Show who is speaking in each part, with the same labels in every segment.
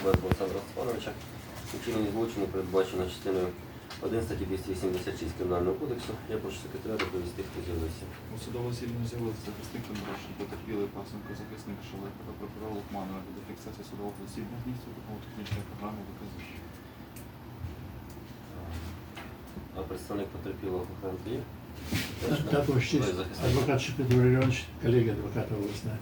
Speaker 1: Кубенко Олександра Степановича. Вчинення злочину передбачено частиною 1 статті 286 Кримінального кодексу. Я прошу секретаря доповісти, хто з'явився.
Speaker 2: У судовому засіданні з'явився захисник Кондрашин, потерпілий Пасенко, захисник Шелепа та прокурор Лукманова для фіксації судового засідання здійснює допомогу технічної програми доказів.
Speaker 1: А представник потерпілого Хохленко є?
Speaker 3: Також честь. Адвокат Шепет Юрій Іванович, колега адвоката обласна.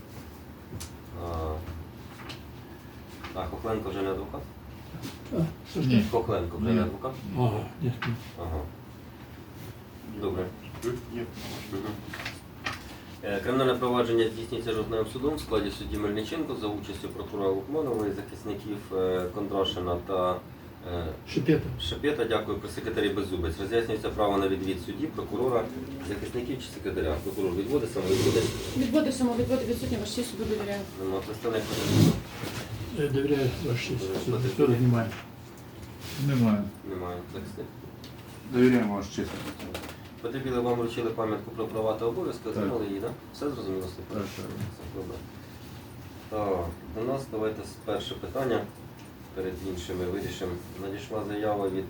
Speaker 1: А Хохленко вже не адвокат?
Speaker 3: Ні.
Speaker 1: Хохленко вже не адвокат?
Speaker 3: Ага, ні.
Speaker 1: Ага. Добре.
Speaker 2: Є.
Speaker 1: Кримінальне провадження здійснюється жовтневим судом в складі судді Мельниченко за участю прокурора Лукманової, захисників Кондрашина та Шепета. Дякую, при секретарі Беззубець. Роз'яснюється право на відвід судді, прокурора, захисників чи секретаря. Прокурор відводить, самовідводить.
Speaker 4: Відводи, самовідводи відсутні, ваш честь суду довіряю.
Speaker 1: Нема представник.
Speaker 3: Довіряю, ваш честь. Хто немає?
Speaker 2: Немає.
Speaker 1: Немає захисник.
Speaker 2: Довіряємо ваш честь.
Speaker 1: Потерпіли, вам вручили пам'ятку про права та обов'язки, отримали її, так? Все зрозуміло?
Speaker 2: Так.
Speaker 1: Добре. Так, до нас давайте перше питання. Перед іншими вирішимо. Надійшла заява від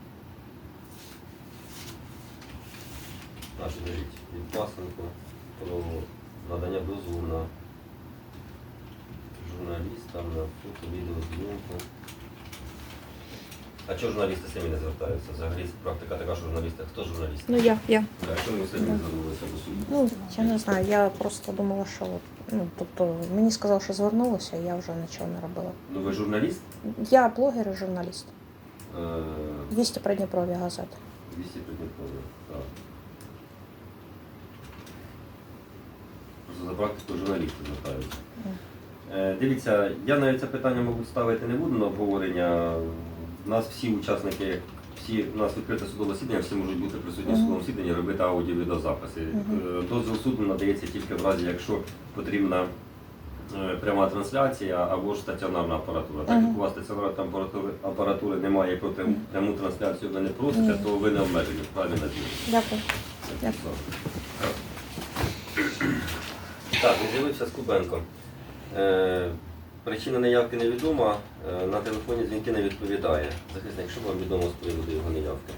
Speaker 1: Пасенко про надання дозволу на журналістам на фото, відеозйомку. А чого журналісти самі не звертаються? Взагалі практика така, що журналісти. Хто журналіст?
Speaker 5: Ну я.
Speaker 1: А чому ви самі не звернулися до суду?
Speaker 5: Ну, я не знаю, я просто думала, що тобто мені сказали, що звернулася, я вже нічого не робила.
Speaker 1: Ну ви журналіст?
Speaker 5: Я блогер і журналіст.
Speaker 1: Е,
Speaker 5: 200 Придніпров'я газети.
Speaker 1: 200 Придніпров'я, так. Просто за практикою журналісти звертаються. Дивіться, я навіть це питання, мабуть, ставити не буду на обговорення. У нас всі учасники, у нас відкрите судове засідання, всі можуть бути присутні в судовому засіданні, робити аудіо-відеозаписи. Дозвіл суду надається тільки в разі, якщо потрібна пряма трансляція або ж стаціонарна апаратура. Так як у вас стаціонарної апаратури немає і про пряму трансляцію ви не просите, то ви не обмежені в праві на зміну.
Speaker 5: Дякую. Дякую.
Speaker 1: Так, він з'явився Скубенко. Причина неявки невідома, на телефоні дзвінки не відповідає. Захисник, що вам відомо з приводу його неявки?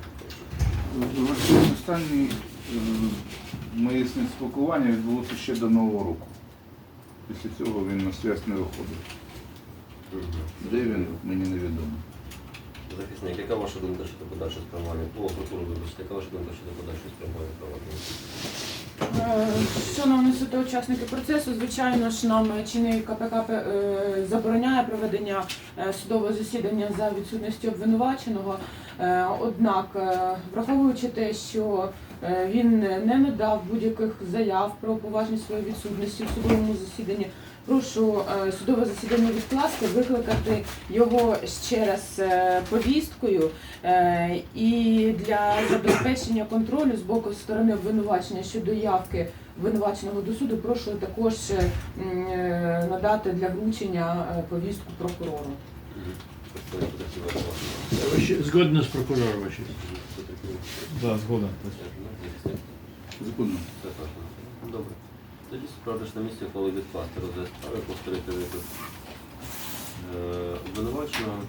Speaker 2: Останнє моє з ним спілкування відбулося ще до Нового року. Після цього він на зв'язок не виходив. Де він, мені невідомо.
Speaker 1: Захисник, яка ваша думка щодо подальшого спрямування? Прокурор, вибачте, яка ваша думка щодо подальшого спрямування провадження?
Speaker 4: Шановні суд та учасники процесу, звичайно ж, нам чинний КПК забороняє проведення судового засідання за відсутністю обвинуваченого. Однак, враховуючи те, що він не надав будь-яких заяв про поважність своєї відсутності в судовому засіданні, прошу судове засідання відкласти, викликати його ще раз повісткою і для забезпечення контролю з боку сторони обвинувачення щодо явки обвинуваченого до суду прошу також надати для вручення повістку прокурору.
Speaker 3: Згодно з прокурором, ваш честь.
Speaker 2: Так, згодом. Законно.
Speaker 1: Добре. Тоді справдиш на місці, коли відкласти розгляд справи, повторити виклик обвинуваченого.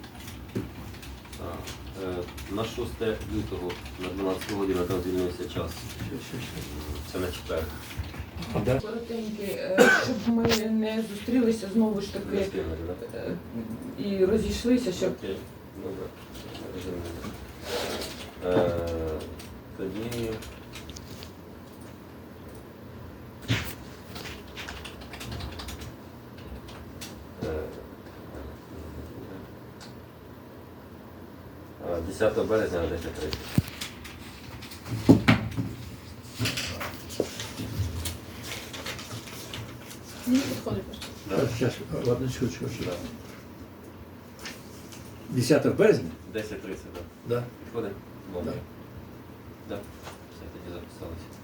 Speaker 1: На 6 лютого на 12 годину там звільнився час. Це на четвер.
Speaker 4: Коротенький, щоб ми не зустрілися знову ж таки і розійшлися, щоб...
Speaker 1: Окей, добре. Тоді... Е, 10 березня на 10:30.
Speaker 4: Мені підходить просто.
Speaker 3: Зараз, ладно, секундочку. 10 березня?
Speaker 1: 10:30, так.
Speaker 3: Да.
Speaker 1: Підходить? Добре.
Speaker 3: Да.
Speaker 1: Так. Все, тоді записалися.